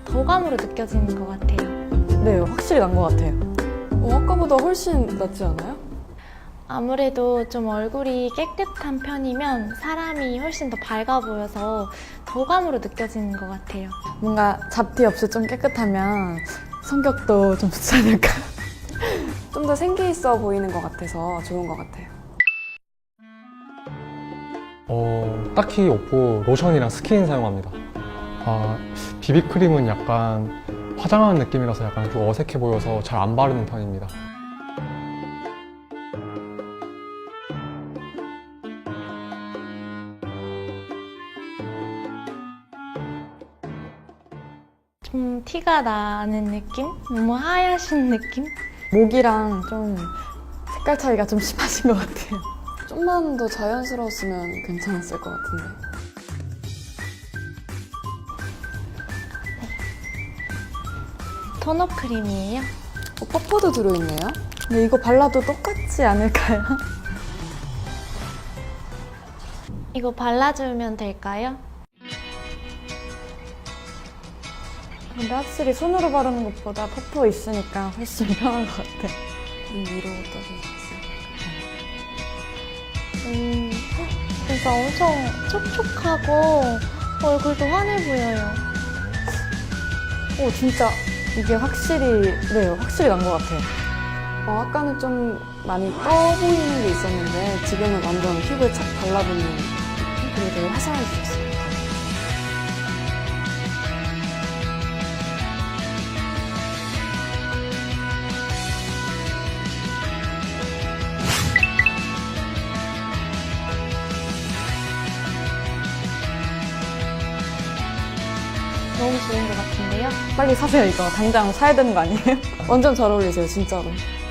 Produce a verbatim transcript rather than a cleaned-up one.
거감으로 느껴지는 것 같아요. 네, 확실히 난 것 같아요. 어, 아까보다 훨씬 낫지 않아요? 아무래도 좀 얼굴이 깨끗한 편이면 사람이 훨씬 더 밝아 보여서 거감으로 느껴지는 것 같아요. 뭔가 잡티 없이 좀 깨끗하면 성격도 좀 좋지 않을까. 좀 더 생기 있어 보이는 것 같아서 좋은 것 같아요. 어, 딱히 없고 로션이랑 스킨 사용합니다. 아, 비비크림은 약간 화장하는 느낌이라서 약간 좀 어색해 보여서 잘 안 바르는 편입니다. 좀 티가 나는 느낌? 너무 하얗신 느낌? 목이랑 좀 색깔 차이가 좀 심하신 것 같아요. 좀만 더 자연스러웠으면 괜찮았을 것 같은데. 토너 크림이에요. 어, 퍼프도 들어있네요. 근데 이거 발라도 똑같지 않을까요? 이거 발라주면 될까요? 근데 확실히 손으로 바르는 것보다 퍼프 있으니까 훨씬 편한 것 같아요. 위로 떠주셨어요. 음, 진짜 엄청 촉촉하고 얼굴도 환해 보여요. 오, 진짜 이게 확실히, 네, 확실히 난 것 같아요. 어, 아까는 좀 많이 떠 보이는 게 있었는데 지금은 완전 피부에 착 달라붙는 그리고 되게 화사해지셨어요. 너무 좋은 것 같은데요? 빨리 사세요, 이거. 당장 사야 되는 거 아니에요? 완전 잘 어울리세요, 진짜로.